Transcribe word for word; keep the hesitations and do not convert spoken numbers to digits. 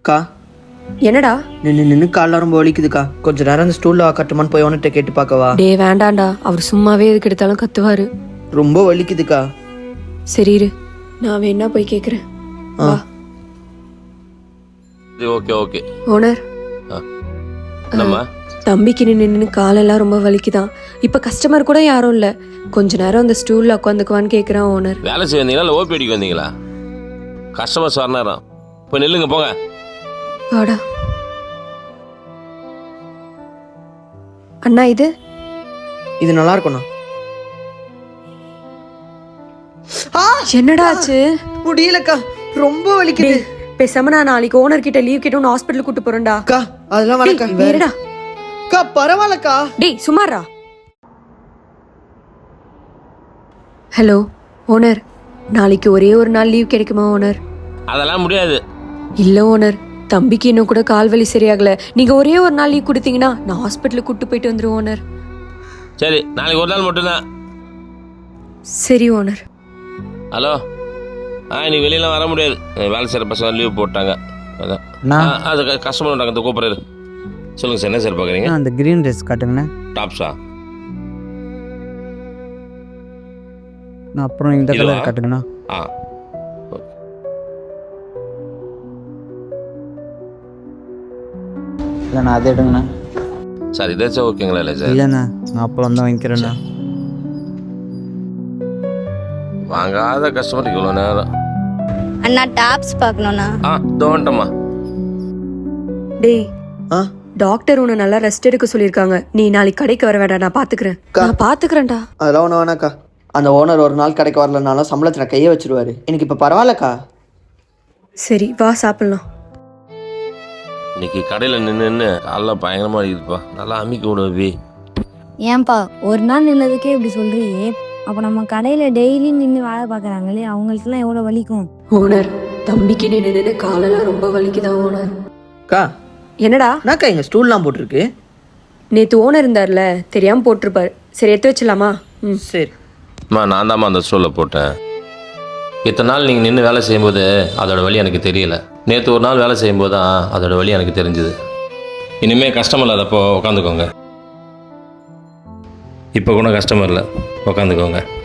அக்கா என்னடா நின்று நின்று காலில் ரொம்ப வலிக்குதுக்கா. கொஞ்ச நேரம் அந்த ஸ்டூலில் கட்டுமான்னு போய் அவன்கிட்ட கேட்டு பார்க்கவா? டே வேண்டாண்டா, அவர் சும்மாவே எதுக்கு எடுத்தாலும் கத்துவாரு. ரொம்ப வலிக்குதுக்கா. சரி இரு, நான் வேணா போய் கேக்குறேன். வா. ஓகே ஓகே ஓனர், என்னம்மா? தம்பிக்கு நின்று நின்று காலெல்லாம் ரொம்ப வலிக்குதான். இப்ப கஸ்டமர் கூட யாரும் இல்ல, கொஞ்ச நேரம் அந்த ஸ்டூல்ல உட்காந்துக்குவான்னு கேக்குறான் ஓனர். வேலை செய்ய வந்தீங்களா இல்லை ஓபிடிக்கு வந்தீங்களா? கஸ்டமர்ஸ் வர நேரம் போய் நில்லுங்க போங்க. வாடா அண்ணா. இது இது நல்லா இருக்கும்ண்ணா. என்னடா ஆச்சு? முடியலக்கா, ரொம்ப வலிக்குது. பேசாம நான் நாளைக்கு ஓனர் கிட்ட லீவ் கேட்டு ஹாஸ்பிட்டல் கூட்டு போறேன்டா. அக்கா அதெல்லாம் வேணாக்கா. வேறடா அக்கா பரவாயில்லக்கா. டேய் சுமாரா. ஹலோ ஓனர், நாளைக்கு ஒரே ஒரு நாள் லீவ் கிடைக்குமா ஓனர்? அதெல்லாம் முடியாது. இல்ல ஓனர், தம்பிக்கு இன்னும் கூட கால் வலி சரியாகல. நீங்க ஒரே ஒரு நாள் லீவ் கொடுத்தீங்கன்னா நான் ஹாஸ்பிட்டலுக்கு கூட்டு போயிட்டு வந்துருவோம் ஓனர். சரி, நாளைக்கு ஒரு நாள் மட்டும்தான். சரி ஓனர். ஹலோ, ஆ இன்னைக்கு வெளியெல்லாம் வர முடியாது, வேலை செய்கிற பசங்க லீவ் போட்டாங்க. அதான் ஆ, அது கஸ்டமர் வந்தாங்க, இந்த கூப்பிட்றாரு. சொல்லுங்கள் சார், என்ன சார் பார்க்குறீங்க? அந்த க்ரீன் ட்ரெஸ் காட்டுங்கண்ணா. டாப்ஸா? நான் அப்புறம் இந்த கலர் காட்டுங்கண்ணா. ஆ இல்லைண்ணா அது எடுங்கண்ணா. சார் இதாச்சும் ஓகேங்களா? இல்லை சார் இல்லைண்ணா, நான் அப்புறம் தான் வாங்கிக்கிறேண்ணா. வாங்காத கஸ்டமருக்கு இவ்வளோ நேரம். அண்ணா டாப்ஸ் பார்க்கணும்ண்ணா. ஆ தோண்டம்மா. டேய், ஆ டாக்டர் உன்னை நல்லா ரெஸ்ட் எடுக்க சொல்லியிருக்காங்க. நீ நாளைக்கு கடைக்கு வர வேண்டாம், நான் பாத்துக்கிறேன். நான் பாத்துக்கிறேன்டா. அதெல்லாம் ஒன்றும் வேணாக்கா. அந்த ஓனர் ஒரு நாள் கடைக்கு வரலனாலும் சம்பளத்தில் கையை வச்சிருவாரு. எனக்கு இப்போ பரவாயில்லக்கா. சரி வா சாப்பிடலாம். இன்னைக்கு கடையில் நின்று நின்று காலைல பயங்கரமாக இருக்குதுப்பா. நல்லா அமிக்க விடுவி. ஏன்பா ஒரு நாள் நின்னதுக்கே இப்படி சொல்றியே? அப்போ நம்ம கடையில் டெய்லி நின்று வேலை பார்க்குறாங்களே, அவங்களுக்குலாம் எவ்வளோ வலிக்கும். ஓனர், தம்பிக்கு நின்று நின்று காலெல்லாம் ரொம்ப வலிக்குதான் ஓனர். அக்கா என்னடா? என்னக்கா எங்கள் ஸ்டூல்லாம் போட்டிருக்கு? நேற்று ஓனர் இருந்தார்ல, தெரியாமல் போட்டிருப்பார். சரி எடுத்து வச்சலாமா? ம் சரி. அம்மா, நான் தாம்மா அந்த ஸ்டூலில் போட்டேன். இத்தனை நாள் நீங்கள் நின்று வேலை செய்யும்போது அதோட வலி எனக்கு தெரியல. நேற்று ஒரு நாள் வேலை செய்யும்போது தான் அதோட வலி எனக்கு தெரிஞ்சுது. இனிமேல் கஸ்டமர் இல்லாதப்போ உட்காந்துக்கோங்க. இப்போ கூட கஸ்டமர் இல்லை, உட்காந்துக்கோங்க.